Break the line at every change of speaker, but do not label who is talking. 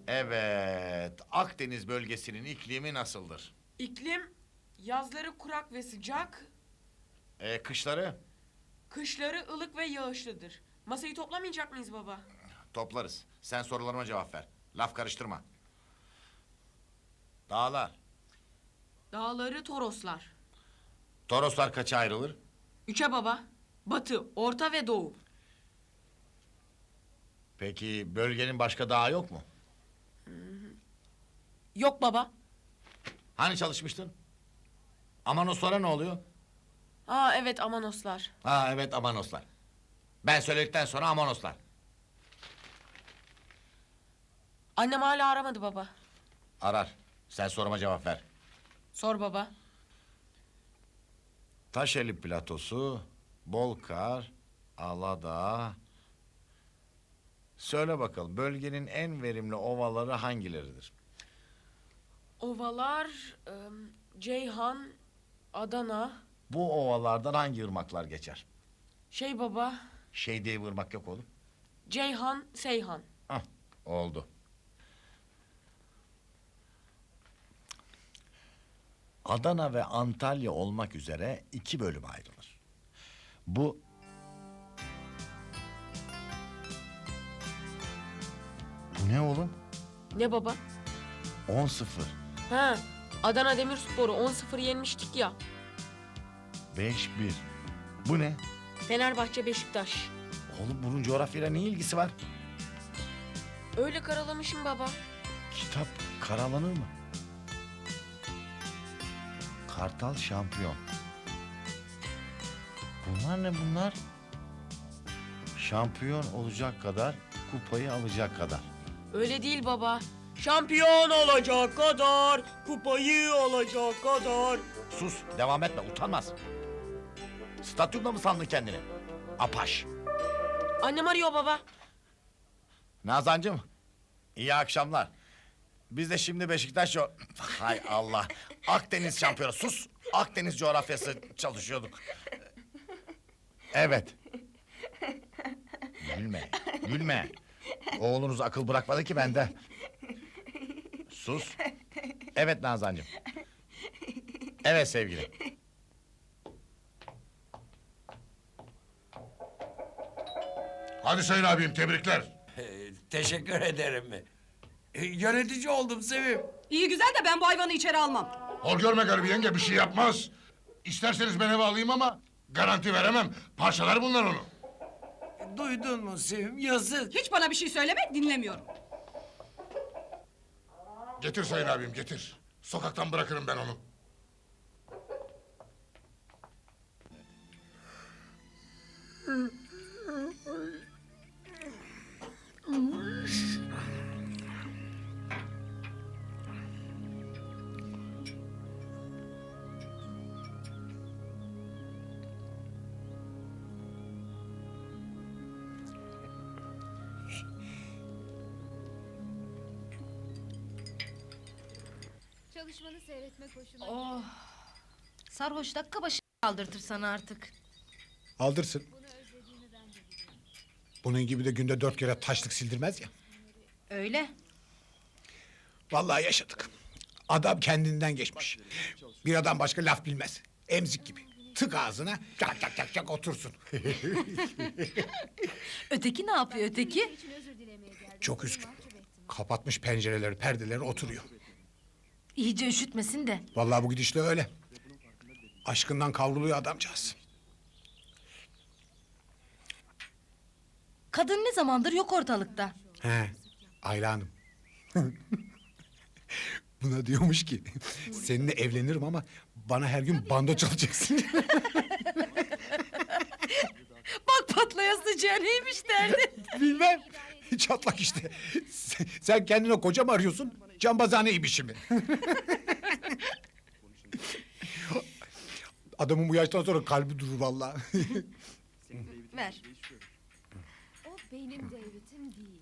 Evet, Akdeniz bölgesinin iklimi nasıldır?
İklim yazları kurak ve sıcak,
Kışları
kışları ılık ve yağışlıdır. Masayı toplamayacak mıyız baba?
toplarız. Sen sorularıma cevap ver. Laf karıştırma. Dağlar.
Dağları Toroslar.
Toroslar kaça ayrılır?
Üçe baba. Batı, Orta ve Doğu.
Peki bölgenin başka dağı yok mu?
Yok baba.
Hani çalışmıştın? Amanoslara ne oluyor?
Aa evet Amanoslar.
Ha evet Amanoslar. Ben söyledikten sonra Amanoslar.
Annem hala aramadı baba.
Arar. Sen soruma cevap ver.
Sor baba.
Taşeli platosu, Bolkar, Aladağ. Söyle bakalım bölgenin en verimli ovaları hangileridir?
Ovalar, Ceyhan, Adana.
Bu ovalardan hangi ırmaklar geçer?
Şey baba,
Şey diye bir ırmak yok oğlum.
Ceyhan, Seyhan.
Hah, oldu. Adana ve Antalya olmak üzere 2 bölüme ayrılır. Bu... Bu ne oğlum?
Ne baba?
10-0.
Ha, Adana Demirspor'u 10-0 yenmiştik ya.
5-1. Bu ne?
Fenerbahçe Beşiktaş.
Oğlum bunun coğrafyayla ne ilgisi var?
Öyle karalamışım baba.
Kitap karalanır mı? Kartal şampiyon. Bunlar ne bunlar? Şampiyon olacak kadar, kupayı alacak kadar.
Öyle değil baba. Şampiyon olacak kadar, kupayı alacak kadar.
Sus, devam etme, utanmaz. Stadyumda mı sandın kendini? Apaş.
Annem arıyor baba.
Nazancığım, iyi akşamlar. Biz de şimdi Beşiktaş... Hay Allah, Akdeniz şampiyonu, sus! Akdeniz coğrafyası çalışıyorduk. Evet. Gülme, gülme. Oğlunuz akıl bırakmadı ki bende. Sus. Evet Nazancığım. Evet sevgilim.
Hadi Sayın abim tebrikler.
Teşekkür ederim. Yönetici oldum Sevim.
İyi güzel de ben bu hayvanı içeri almam.
Hor görme garibi yenge bir şey yapmaz. İsterseniz ben eve alayım ama garanti veremem. Parçalar bunlar onu.
Duydun mu Sevim? Yazık.
Hiç bana bir şey söyleme, dinlemiyorum.
Getir Sayın abim getir. Sokaktan bırakırım ben onu.
Çalışmanı seyretmek hoşuma
Oh. Sarhoş dakika başı kaldırtır sana artık.
Aldırsın.
Bunu özlediğini ben de biliyorum.
Bunun gibi de günde 4 kere taşlık sildirmez ya.
Öyle.
Vallahi yaşadık. Adam kendinden geçmiş. Bir adam başka laf bilmez. Emzik gibi. Tık ağzına çak çak çak çak otursun.
Öteki ne yapıyor öteki?
İçin özür dilemeye geldim.
Çok
Seni
üzgün.
mahcup ettim.
Kapatmış pencereleri, perdeleri oturuyor.
İyice üşütmesin de.
Vallahi bu gidişle öyle. Aşkından kavruluyor adamcağız.
Kadın ne zamandır yok ortalıkta.
He, Ayla Hanım. Buna diyormuş ki seninle evlenirim ama bana her gün bando çalacaksın.
Bak patlaya sıcağı neymiş derdi.
Bilmem. Çatlak işte. Sen kendine koca mı arıyorsun? Cambazhane ibişi mi? Adamın bu yaştan sonra kalbi durur vallahi.
Ver.
O benim devletim değil.